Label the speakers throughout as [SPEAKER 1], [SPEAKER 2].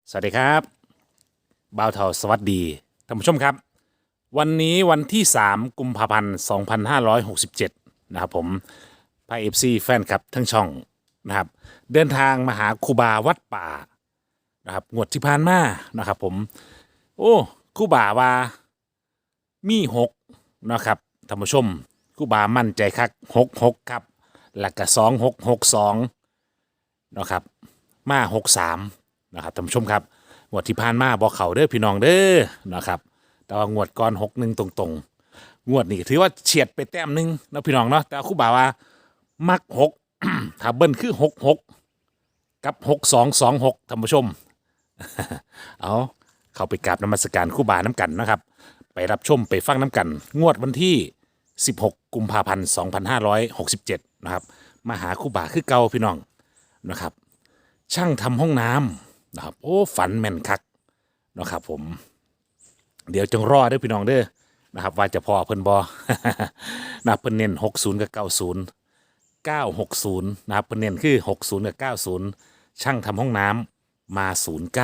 [SPEAKER 1] สวัสดีครับบ่าวเทาสวัสดีท่านผู้ชมครับวันนี้วันที่3กุมภาพันธ์2567นะครับผมพาเอฟซีแฟนคลับทั้งช่องนะครับเดินทางมาหาครูบาวัดป่านะครับงวดที่ผ่านมานะครับผมโอ้ครูบาว่ามีหกนะครับท่านผู้ชมครูบามั่นใจคัก66ครับหลักกะ2662นะครับมา63นะครับท่านผู้ชมครับงวดที่ผ่านมาบอกเขาเด้อพี่น้องเด้อนะครับแต่ว่างวดก่อน61ตรงๆงวดนี้ก็ถือว่าเฉียดไปแต้มหนึงนะพี่น้องเนาะแต่ครูบาว่ามักหก ถ้าเบิ้ลคือ66กับ6226ท่านผู้ชม เอาเข้าไปกราบนมัสการครูบาน้ำกันนะครับไปรับชมไปฟังน้ำกันงวดวันที่16กุมภาพันธ์2567นะครับมาหาครูบาคือเก่าพี่น้องนะครับช่างทำห้องน้ำนะครับโอ้ฝันแม่นคักนะครับผมเดี๋ยวจงรอเด้อพี่น้องเด้อนะครับว่าจะพอเพิ่นบอ นะครับเพิ่นเน้น60กับ90 960นะครับเพิ่นเน้นคือ60กับ90ช่างทำห้องน้ำมา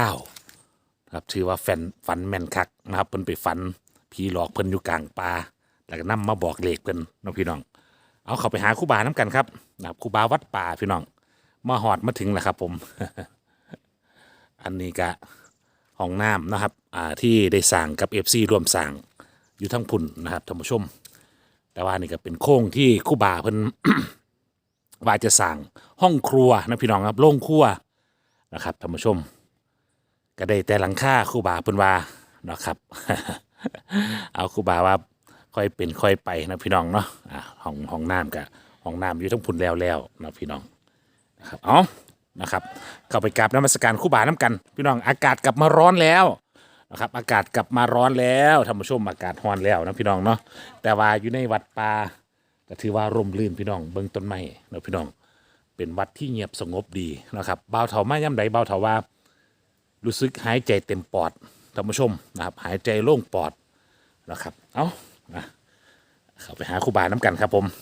[SPEAKER 1] 09ครับถือว่าฝันแม่นคักนะครับเพิ่นไปฝันผีหลอกเพิ่นอยู่กลางป่าแล้วก็นำมาบอกเลขเพิ่นน้องพี่น้องเอาเข้าไปหาครูบาน้ำกันครับนะครับครูบาวัดป่าพี่น้องมาหอดมาถึงแล้วครับผม อันนี้ก็ห้องน้ำนะครับที่ได้สั่งกับ FC ร่วมสั่งอยู่ทั้งพุ่นนะครับท่านผู้ชมแต่ว่านี่ก็เป็นโค้งที่ครู่บาเพิ่น ว่าจะสั่งห้องครัวนะพี่น้องครับโล่งครัวนะครับท่านผู้ชมก็ได้แต่หลังคาครู่บาเพิ่นว่านะครับ เอาครู่บาว่าค่อยเป็นค่อยไปนะพี่น้องเนาะห้องน้ำกับห้องน้ำอยู่ทั้งพุ่นแล้วนะพี่น้องนะครับเอานะครับเข้าไปกราบนมัสการครู่บาน้ำกันพี่น้องอากาศกลับมาร้อนแล้วนะครับอากาศกลับมาร้อนแล้วท่านผู้ชมอากาศร้อนแล้วนะพี่น้องเนาะแต่ว่าอยู่ในวัดป่าก็ถือว่าร่มรื่นพี่น้องเบิ่งต้นไม้นะพี่น้องเป็นวัดที่เงียบสงบดีนะครับบ่าวเถามาย่ำใดบ่าวเถาว่ารู้สึกหายใจเต็มปอดท่านผู้ชมนะครับหายใจโล่งปอดนะครับเอานะเข้าไปหาครู่บาน้ำกันครับผม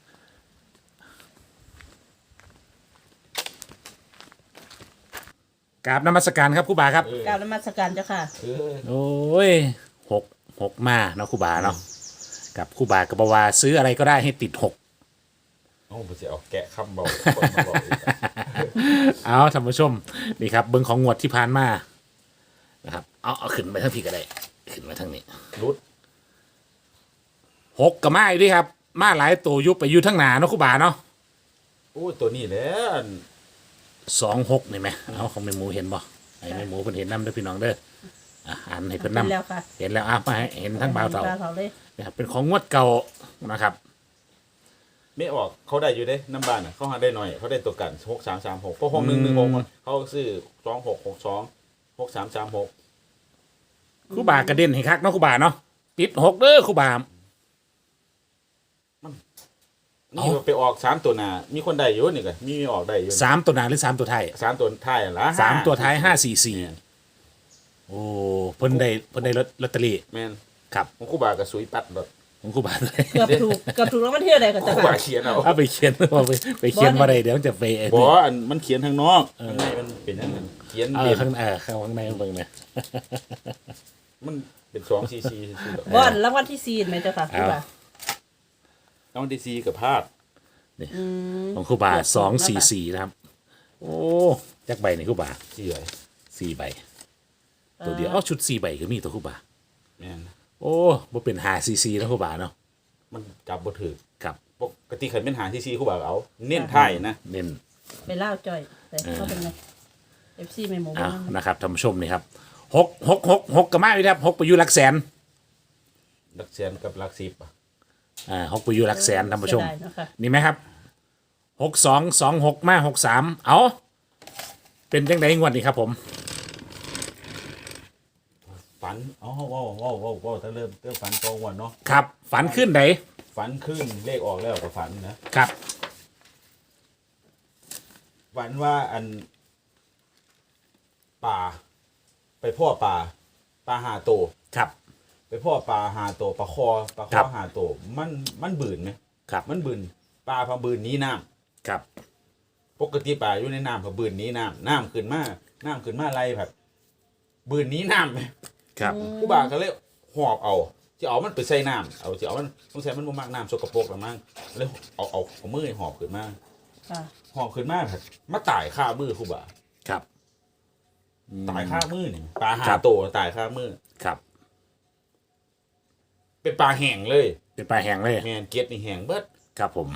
[SPEAKER 1] กราบนมัสการครับครูบาครับ
[SPEAKER 2] กราบนมัสการเจ้าค่ะ
[SPEAKER 1] โอ้ยหกมาเนาะครูบาเนาะกับครูบากับว่าซื้ออะไรก็ได้ให้ติดหก
[SPEAKER 3] โอ้ผมจะเอาแกะคำบอกคนมาบอกอีกอะ
[SPEAKER 1] เอาท่านผู้ชมนี่ครับเบิ้งของงวดที่ผ่านมานะครับเอาขึ้นไปทั้งพี่ก็ได้ขึ้นมาทั้งนี้
[SPEAKER 3] รุด
[SPEAKER 1] หกกับมาอยู่ด้วยครับมาหลายตัวยุบไปอยู่ทั้งหนาเนาะครูบาเนาะ
[SPEAKER 3] โอ้ตัวนี้แหละอัน
[SPEAKER 1] 26นี่ไหมเอาของแม่หมูเห็นบ่ไอ้แม่หมูเพิ่นเห็นนำเด้อพี่น้องเด้ออ่านให้เพิ่นนำ
[SPEAKER 2] เห็นแล้วค่ะ
[SPEAKER 1] เห็นแล้วมาให้เห็นทั้งบ่าวเต่า
[SPEAKER 2] เลย
[SPEAKER 1] นะครับเป็นของงวดเก่านะครับ
[SPEAKER 3] ไม่ออกเขาได้อยู่เด้น้ำบ้านอ่ะเขาหาได้หน่อยเขาได้ตัวกัน6336เพราะ6116เขาซื้อ2662 6336
[SPEAKER 1] ครูบากระเด็นให้คักเนาะครูบาเนาะติดหกเด้อครูบา
[SPEAKER 3] นี่ไปออก3ตัวหน้ามีคนได้อยู่นี่ก็มีออกได้อยู่
[SPEAKER 1] สามตัวหน้าหรือ3ตัวท้าย
[SPEAKER 3] 3ตัวท้ายอะล่ะ
[SPEAKER 1] สามตัวท้าย544โอ้เพิ่นได้ลอตเตอรี่
[SPEAKER 3] แม่น
[SPEAKER 1] ครับ
[SPEAKER 3] ของครูบาก็สุยปัดดอก
[SPEAKER 1] ของครูบาเลย
[SPEAKER 2] เกือบถูกแล้วมันเที่ยวใดกัน
[SPEAKER 3] ค
[SPEAKER 2] เจ้า
[SPEAKER 3] รูบา
[SPEAKER 2] ค่ะ
[SPEAKER 3] เขียนเอา
[SPEAKER 1] เอาไปเขียนเอาไปเขียนมาได้เดี๋ยวมันจะไปไอ้
[SPEAKER 3] บ่
[SPEAKER 1] นี่
[SPEAKER 3] อันมันเขียนทางนอกข้างในมันเป็นอันนั้นเขียน
[SPEAKER 1] เอ
[SPEAKER 3] เด่
[SPEAKER 1] อน ข้างในเบิ่งเนี่ย
[SPEAKER 3] มันเป็น2 cc ซื่อๆดอก
[SPEAKER 2] บอนรางวัลที่4ไหมเจ้าค่ะคือว่า
[SPEAKER 3] แล้วมันได้ซีกับพลาด
[SPEAKER 1] ของครูบา244นะครับโอ้จักใบนี่ครูบา
[SPEAKER 3] ที่ไหน
[SPEAKER 1] 4ใบตัวเดียวเอาชุด4ใบก็มีตัวครูบา
[SPEAKER 3] แม่น
[SPEAKER 1] โอ้บ่เป็น544นะครูบาเนาะ
[SPEAKER 3] มันจับบ่ถือ
[SPEAKER 1] ครับ
[SPEAKER 3] ปกติขันเป็นหางที่ซีคู่บ่าวเอา เน้นท้ายนะ
[SPEAKER 1] เน้น
[SPEAKER 2] ไปเล่าจ่อยแต่เขาเป็นไง FC ไม่หมู
[SPEAKER 1] เอา
[SPEAKER 2] บ้าง
[SPEAKER 1] นะครับท่านผู้ชมนี่ครับหกกับมาอยู่ครับหกไปอยู่หลักแสน
[SPEAKER 3] หลักแสนกับหลัก10อ่ะ
[SPEAKER 1] หกไปอยู่หลักแสนท่านผู้ชม
[SPEAKER 2] เสียดายเนาะค่ะ
[SPEAKER 1] นี่ไหมครับ6226มา63เอาเป็นจังไดงวดนี้ครับผม
[SPEAKER 3] ฝันอ๋อว้าวถ้าเริ่มฝันตรงวันเนาะ
[SPEAKER 1] ครับฝันขึ้นไหน
[SPEAKER 3] ฝันขึ้นเลขออกแล้วก็ฝันนะครับ ฝันว่าอันป่า ไปพ่อป่าหาโตว
[SPEAKER 1] ครับ
[SPEAKER 3] ไปพ่อป่าหาโตวปลาคอ
[SPEAKER 1] ครับ
[SPEAKER 3] หาโตวมันบืนไหม
[SPEAKER 1] ครับ
[SPEAKER 3] มันบืนปลาพะบืนหนี้น้ำ
[SPEAKER 1] ครับ
[SPEAKER 3] ปกติป่าอยู่ในน้ำพะบืนหนี้น้ำขึ้นมาไล่แบบบืนนี้น้ำไหม
[SPEAKER 1] ครับ
[SPEAKER 3] ครูบาก็เลยหอบเอาจะเอามันไปใส่น้ำเอาจะเอามันต้องใส่มันบ่มากน้ำสกปรกหรือมั้งแล้วเอามือหอบขึ้นมา
[SPEAKER 2] ค่ะ
[SPEAKER 3] หอบขึ้นมาผัดมาตายข้ามือครูบา
[SPEAKER 1] ครับ
[SPEAKER 3] ตายข้ามือนี่ปลาหา
[SPEAKER 1] ครับ
[SPEAKER 3] โตตายข้ามือ
[SPEAKER 1] ครับ
[SPEAKER 3] เป็นปลาแห้งเลย
[SPEAKER 1] เป็นปลาแห้งเลย
[SPEAKER 3] แมนเก็ดนี่แห้งเบิด
[SPEAKER 1] ครับผม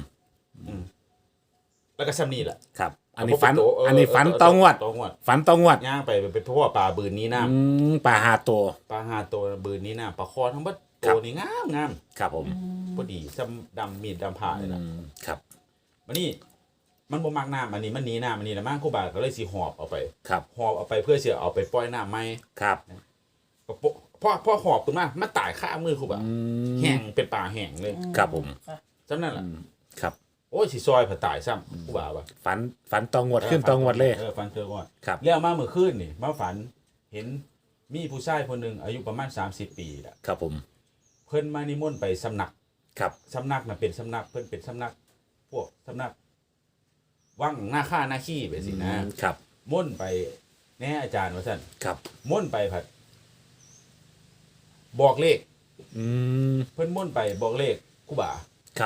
[SPEAKER 3] แล้วก็ซ้ำนี่แหละ
[SPEAKER 1] ครับ อันนี้ฝัน
[SPEAKER 3] เอาพวกโต
[SPEAKER 1] อันนี้ฝันตองวด
[SPEAKER 3] ตองวด
[SPEAKER 1] ฝันตองวด
[SPEAKER 3] ย่างไปเป็นเพราะว่าปลาบืนนี้น้
[SPEAKER 1] ปลาหาตัว
[SPEAKER 3] ำปลาหาโตบืนนี้น้ำปลาคอทั้งเบิด
[SPEAKER 1] ครั
[SPEAKER 3] โต
[SPEAKER 1] บ
[SPEAKER 3] นี่งามงาม
[SPEAKER 1] ครับผม
[SPEAKER 3] พอดีซ้ำดำมีดดำผ่าเลยนะ
[SPEAKER 1] ครับ
[SPEAKER 3] มันนี่มันบ่มากน้ำอันนี้มันหนีน้ำอันนี้นะมั่งครูบาก็เลยสิหอบเอาไป
[SPEAKER 1] ครับ
[SPEAKER 3] หอบเอาไปเพื่อเสียเอาไปปล่อยน้ำไหม
[SPEAKER 1] ครับ
[SPEAKER 3] ก็พ่อหอบขึ้นมามันตายข้ามือครูบาแห้งเป็นป่าแห้งเลย
[SPEAKER 1] ครับผม
[SPEAKER 2] ค่ะ
[SPEAKER 3] จำนั่นแหละ
[SPEAKER 1] ครับ
[SPEAKER 3] โอ้ยสิซอยผ่าตายซ้ำครูบาว่ะ
[SPEAKER 1] ฝันตองวดขึ้นตองวดเลย
[SPEAKER 3] ฟันเจอก่อน
[SPEAKER 1] ครับ
[SPEAKER 3] แล้วมาเมื่อคืนนี่มาฝันเห็นมีผู้ชายคนหนึ่งอายุประมาณ30 ปีแหละ
[SPEAKER 1] ครับผม
[SPEAKER 3] เพิ่นมานิมนต์ไปสำนัก
[SPEAKER 1] ครับ
[SPEAKER 3] สำนักน่ะเป็นสำนักเพิ่นเป็นสำนัก พวกสำนักว่างหน้าค่าหน้าขี้ไปสินะครับ ม่นต์ไปแน่อาจารย์ว่าซั่น
[SPEAKER 1] ครับ
[SPEAKER 3] ม่นต์ไปผัด บอกเลข
[SPEAKER 1] อืม
[SPEAKER 3] เพิ่นม่นต์ไปบอกเลขครูบา
[SPEAKER 1] ครับ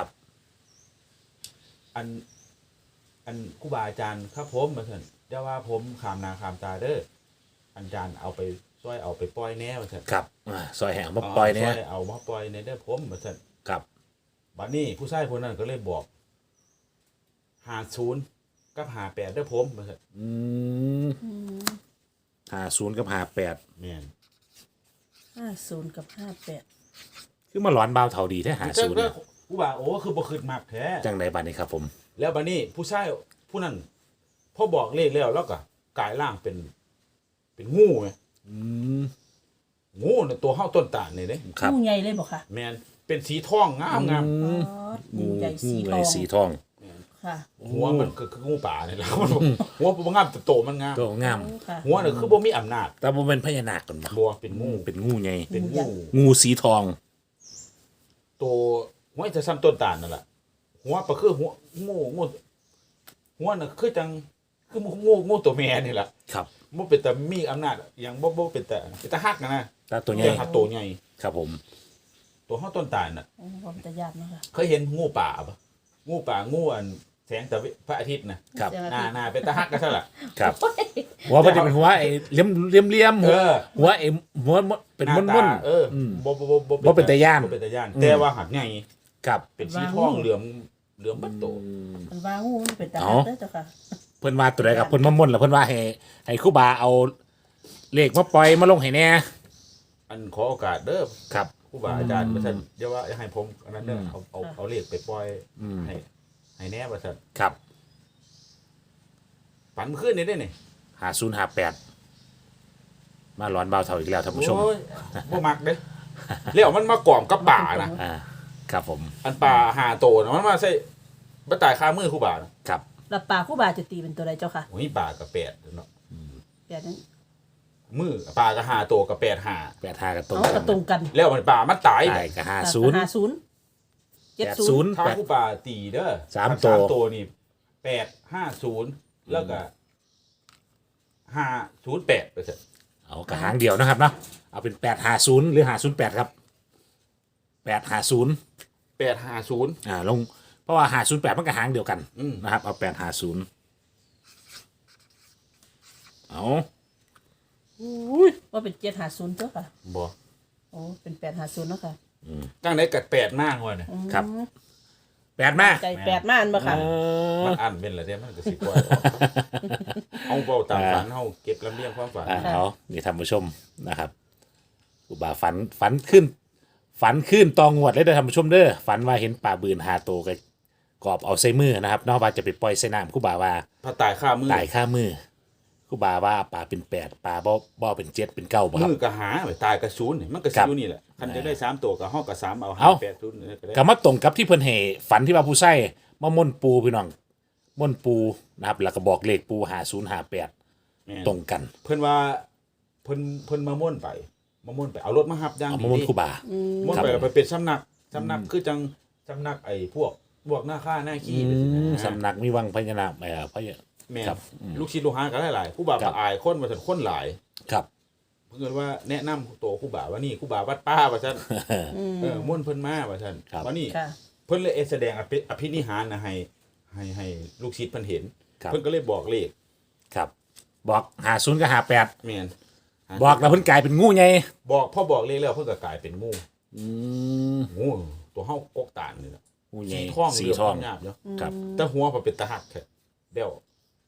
[SPEAKER 3] อันครูบาอาจารย์ครับผมว่าซั่นเดี๋ยวว่าผมขามนาขามตาเด้ออาจารย์เอาไปช่วยเอาไปปล่อยแน่ว่าซั่น
[SPEAKER 1] ครับซอยแห้งมาปล่อยเนี่ย
[SPEAKER 3] ช่วเอามาปล่อยในเด้อผมว่าซั่น
[SPEAKER 1] ครับ
[SPEAKER 3] บัดนี้ผู้ชายคนนั้นก็เลยบอก50กับ58เด้อผมว่าซั่น
[SPEAKER 1] 50กับ58
[SPEAKER 3] แม่น
[SPEAKER 2] 50 กับ
[SPEAKER 1] คือมาหลอนบ่าวเท่าดีแท้
[SPEAKER 3] เจ้า
[SPEAKER 1] 50เนี่ย
[SPEAKER 3] ครูบาโอ้คือบ่คิดมากแท้
[SPEAKER 1] จังไดบัดนี้ครับผม
[SPEAKER 3] แล้วบัดนี้ผู้ชายผู้นั้นพอบอกเลขแล้วก็กลายร่างเป็นงูไง
[SPEAKER 1] อืม
[SPEAKER 3] งูน่ะตัวเฮาต้นตาลนี่เด้
[SPEAKER 1] ครับ
[SPEAKER 2] งูใหญ่เลยบ่ค่ะ
[SPEAKER 3] แม่นเป็นสีทองงามงาม
[SPEAKER 2] งูใหญ่สีท
[SPEAKER 1] ให
[SPEAKER 2] อ
[SPEAKER 1] ญ่
[SPEAKER 2] ง
[SPEAKER 1] สีทอง
[SPEAKER 2] ค่ะ
[SPEAKER 3] หัวมันคืองูป่านี่แหละหัวบ่งามแต่โตมันงาม
[SPEAKER 1] ตัวงาม
[SPEAKER 2] ค่ะ
[SPEAKER 3] หัวน่ะคือบ่มีอำนาจ
[SPEAKER 1] แต่บ่เป็นพญานาคกันบ่
[SPEAKER 3] บ่เป็นงู
[SPEAKER 1] เป็นงูใหญ่
[SPEAKER 3] เป็น
[SPEAKER 2] งูใหญ่
[SPEAKER 3] งู
[SPEAKER 1] งูสีทอง
[SPEAKER 3] ตัวหัวจะซ้ำต้นตาลนั่นแหละหัวก็คือหัวงูหัวน่ะคือจังคืองูตัวแม่นี่แหละ
[SPEAKER 1] ครับ
[SPEAKER 3] บ่เป็นแต่มีอำนาจอย่างบ่เป็นแต่ฮักนะ
[SPEAKER 1] แต่ตัวใหญ่
[SPEAKER 3] แต่ฮักตัวใหญ่
[SPEAKER 1] ครับผม
[SPEAKER 3] ตัวเฮาต้นตาลน่ะ
[SPEAKER 2] โอ้ผมจะยากเนาะค่ะ
[SPEAKER 3] เคยเห็นงูป่าปะงูป่างูอันแสงแต่พระอาทิตย์นะครับ
[SPEAKER 2] เสียงอา
[SPEAKER 3] หน้า
[SPEAKER 2] ทิตย์
[SPEAKER 3] หน้าเป็นตาฮักก็ใช่ละ
[SPEAKER 1] ครับหัวมันจะเป็นหัวไอ้เหลี่ยมๆหัว
[SPEAKER 3] เออ
[SPEAKER 1] หัวไอ้หัวเป็น
[SPEAKER 3] ห
[SPEAKER 1] ม้
[SPEAKER 3] น้า
[SPEAKER 1] วน
[SPEAKER 3] ตาเอออ
[SPEAKER 1] ม
[SPEAKER 3] บ่
[SPEAKER 1] เป็นตาย้าน
[SPEAKER 3] บ่เป็นตาย่านแต่ว่าหักใหญ่
[SPEAKER 1] ๆครับ
[SPEAKER 3] เป็นสีทองเหลือมบัดโต
[SPEAKER 2] มันว่างูมันเป็นตา
[SPEAKER 1] อ๋อ
[SPEAKER 2] เด้อเจ้าค่ะ
[SPEAKER 1] เพิ่นว่าตัวใดกับเพิ่นมาม่วนแล้วเพิ่นว่าให้ครูบาเอาเลขมาปล่อยมาลงให้แน่
[SPEAKER 3] อันขอโอกาสเด้อ
[SPEAKER 1] ครับ
[SPEAKER 3] ครูบาอาจารย์ว่าซั่นเดี๋ยวว่าให้ผมอันนั้นเด้อเอาเลขไปปล่อย
[SPEAKER 1] อืม
[SPEAKER 3] ให้แน่ว่าซั่น
[SPEAKER 1] ครับ
[SPEAKER 3] ฝันขึ้นนี่ได้นี่
[SPEAKER 1] 5058มาหลอนเบาเท่าอีกแล้วท่านผู้ชม
[SPEAKER 3] โอ้ยบ่มักเด้แล้วมันมากล่อมกับป่านะ
[SPEAKER 1] อ่าครับผม
[SPEAKER 3] อันป่าหาโตนะมันมาใส่บ่ตายคามือครูบานะครับ
[SPEAKER 2] แล้วปลาคู่บาจะตีเป็นตัวใดเจ้าค่ะ
[SPEAKER 3] โอ้ยป่ากับ8เนาะ
[SPEAKER 2] แบบนั้น
[SPEAKER 3] มือป่าก็หาโตกับ8หา
[SPEAKER 1] 85กับตรง
[SPEAKER 2] เอากระตรงกัน
[SPEAKER 3] แล้วมันป่ามันตาย
[SPEAKER 1] ได้กับ
[SPEAKER 2] 50 70
[SPEAKER 3] ถ้าผู้ป่าตีเด้อ
[SPEAKER 1] สาม
[SPEAKER 3] ถ้
[SPEAKER 1] ตัว
[SPEAKER 3] ตัวนี่850แล้วก็508ไปเถอะ
[SPEAKER 1] เอากระหางเดียวนะครับเนาะเอาเป็น850หรือ508ครับ850
[SPEAKER 3] 850
[SPEAKER 1] ลงเพราะว่า508มันกระหางเดียวกัน
[SPEAKER 3] อืม
[SPEAKER 1] นะครับเอา850เอา
[SPEAKER 2] ว่าเป็น750เจ้าค่ะ
[SPEAKER 3] บ่
[SPEAKER 2] โอ้เป็น850เนาะค่ะ
[SPEAKER 3] จังได๋กัด8มากว่าเนี่ย
[SPEAKER 1] ครับ8มา
[SPEAKER 2] ไก่8มาอันบ่ค่ะ
[SPEAKER 3] มันอันเป็นละเด้มันก็สิปล่อยออกเอาเว้าตามฝันเฮาเก็บลำเลียงความฝัน
[SPEAKER 1] เอานี่ท่านผู้ชมนะครับครูบาฝันขึ้นตองงวดเลยเด้อท่านผู้ชมเด้อฝันว่าเห็นป่าบืนหาโตวกับกอบเอาใส่มือนะครับนอกว่าจะไปปล่อยใส่น้ำครูบาว่า
[SPEAKER 3] พระตายข้ามือ
[SPEAKER 1] ตายข้ามือครูบาว่าป่าเป็น8ป่าบ่เป็น7เป็น9บ่ครับ
[SPEAKER 3] มือก็หาไปตายก็ศูนย์นี่มันก็
[SPEAKER 1] ครั
[SPEAKER 3] สิ
[SPEAKER 1] บ
[SPEAKER 3] อยู่นี่แหละคันจะได้3ตัวก็เฮาก็3เอา
[SPEAKER 1] เอ้า
[SPEAKER 3] 580นี่ก็ได้
[SPEAKER 1] ก็มาตรงกับที่เพิ่นให้ฝันที่ว่าผู้ใช้มาม่วนปูพี่น้องม่วนปูนะครับแล้วก็บอกเลขปู5058
[SPEAKER 3] แม่น
[SPEAKER 1] ตรงกัน
[SPEAKER 3] เพิ่นว่าเพิ่นมาม่วนไปเอารถมารับอย่าง
[SPEAKER 1] เอา
[SPEAKER 3] ดี
[SPEAKER 1] มาม่วนครูบา
[SPEAKER 3] ม่วน
[SPEAKER 1] ครับ
[SPEAKER 3] ไปแล้วไปเป็นสำนักคือจังสำนักไอ้พวกหน้าค่าหน้าขี้ไปสินะ
[SPEAKER 1] สำนักมีวังพญานาคพญา
[SPEAKER 3] แม่น
[SPEAKER 1] ครับ
[SPEAKER 3] ลูกศิษย์ลูกหาก็หลายๆผู้บ่าว
[SPEAKER 1] ครับ
[SPEAKER 3] อายคนมาถึงคนหลาย
[SPEAKER 1] ครับ
[SPEAKER 3] เพิ่นว่าแนะนำตัวครูบาว่านี่ครูบาวัดป้าว่าซั่นม่วนเพิ่นมาว่าซั่นว่านี่
[SPEAKER 2] ค่ะ
[SPEAKER 3] เพิ่นเลยแสดงอภินิหารนะให้ลูกศิษย์เพิ่นเห็น
[SPEAKER 1] ครับ
[SPEAKER 3] เพิ่นก็เลยบอกเลข
[SPEAKER 1] ครับบอก50กับ58
[SPEAKER 3] แม่น
[SPEAKER 1] บอกแล้วเพิ่นกลายเป็นงูใหญ่
[SPEAKER 3] บอกพอบอกเลขแล้วเพิ่นก็กลายเป็นงู
[SPEAKER 1] อืม
[SPEAKER 3] งูตัวเฮากกตานนี่ล่ะ
[SPEAKER 1] งูใหญ่
[SPEAKER 3] สีทอง
[SPEAKER 1] สี
[SPEAKER 3] เหลื
[SPEAKER 1] ทอง
[SPEAKER 3] งามเนาะ
[SPEAKER 1] ครับ
[SPEAKER 3] แต่หัวพอเป็นตาหักแท้เด้ว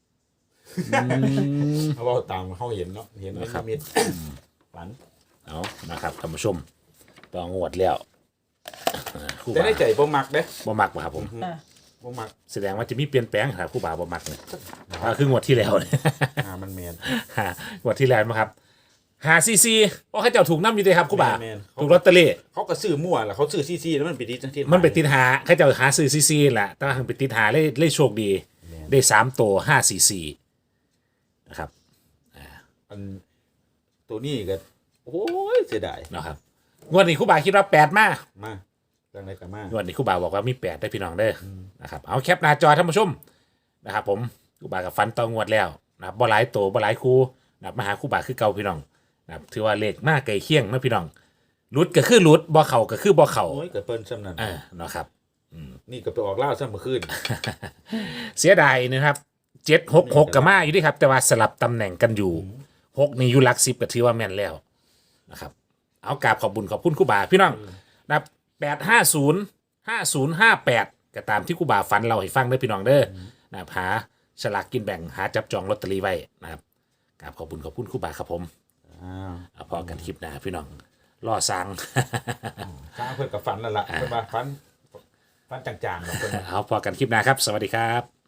[SPEAKER 3] เขาบอกตามเขาเห็นเนาะเห็นในนิมิตฝัน
[SPEAKER 1] เอานะครับท่านผู้ชมต้องงวดแล้วครู
[SPEAKER 3] แต่
[SPEAKER 1] บา
[SPEAKER 3] ในใจบ่มักเด้
[SPEAKER 1] บ่มักบ่ครับผม
[SPEAKER 2] ค่ะ
[SPEAKER 3] บ่มัก
[SPEAKER 1] แสดงว่าจะมีเปลี่ยนแปลงครับครูบาบ่มักเนี่ยคืองวดที่แล้วเนี่ย
[SPEAKER 3] มันแม่น
[SPEAKER 1] งวดที่แล้วนะครับ5ccเพราะเขาเจ้าถูกน้ำอยู่เลยครับครูบา
[SPEAKER 3] แม่น
[SPEAKER 1] ถูกลอตเตอรี่
[SPEAKER 3] เขาก็ซื้อมั่วล่ะเขาซื้อซี่ๆแล้วมันไปดีจังที่
[SPEAKER 1] มันไปติดหาเขาเจ้าหาซื้อซีซีแหละแต่ว่าถึงไปติดหาเลยโชคดี ได้3ตัว5ccนะครับ
[SPEAKER 3] อันตัวนี้ก็โอ้ยเสียดาย
[SPEAKER 1] นะครับงวดนี้ครูบาคิดว่า8มา
[SPEAKER 3] มาจังได๋ก็มาง
[SPEAKER 1] วดนี้ครูบาบอกว่ามี8ได้พี่น้องเด้อนะครับเอาแคปหน้าจอท่านผู้ชมนะครับผมครูบากับฟันต่องวดแล้วนะครับบ่หลายตัวบ่หลายคู่นะครับมาหาครูบาคือเก่าพี่น้องนะครับถือว่าเลขมากไกลเคียงนะพี่น้องหลุดก็คือหลุดบ่เข่าก็คือบ่เข่า
[SPEAKER 3] โอ้ยก็เปิ้นซ้ำนั้น
[SPEAKER 1] นะครับ
[SPEAKER 3] นี่ก็ไปออกล่าวซ้ำเมื่อคืน
[SPEAKER 1] เสียดายนะครับ766กับมาอยู่ดิครับ แต่ว่าสลับตำแหน่งกันอยู่6นี่อยู่หลัก10ก็ถือว่าแม่นแล้วนะครับเอากราบขอบบุญขอบคุณครูบาพี่น้องนะครับ8505058ก็ตามที่ครูบาฝันเราให้ฟังเด้อพี่น้องเด้อนะครับหาฉลากกินแบ่งหาจับจองลอตเตอรี่ไว้นะครับกราบขอบบุญขอบคุณครูบาครับผม
[SPEAKER 3] อ้าว
[SPEAKER 1] เอาพอกันคลิปหน้าพี่น้องรอสั่ง
[SPEAKER 3] ข้าเพิ่นก็ฝันแล้วล่ะเพิ่นว่าฝันจางๆแบบเพิ่นว่า
[SPEAKER 1] เอาพอกันคลิปหน้าครับ สวัสดีครับ